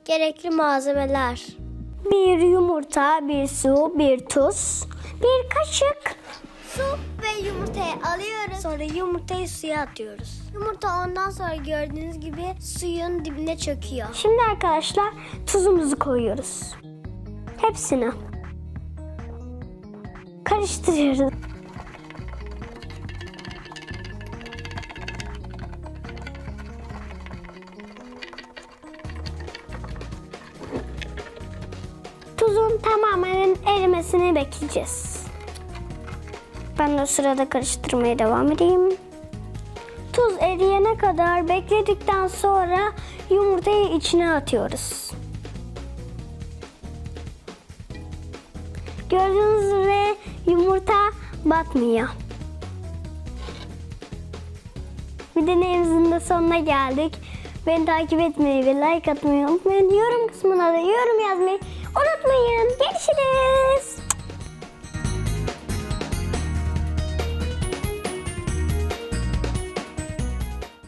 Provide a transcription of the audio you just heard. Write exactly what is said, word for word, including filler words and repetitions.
Gerekli malzemeler: Bir yumurta, bir su, bir tuz, bir kaşık. su ve yumurtayı alıyoruz. Sonra yumurtayı suya atıyoruz. Yumurta ondan sonra gördüğünüz gibi suyun dibine çöküyor. Şimdi arkadaşlar tuzumuzu koyuyoruz. Hepsini. Karıştırıyoruz. Tuzun tamamen erimesini bekleyeceğiz. Ben de o sırada karıştırmaya devam edeyim. Tuz eriyene kadar bekledikten sonra yumurtayı içine atıyoruz. Gördüğünüz üzere yumurta batmıyor. Videomuzun da sonuna geldik. Beni takip etmeyi ve like atmayı unutmayın. Yorum kısmına da yorum yazmayı unutmayın. Görüşürüz.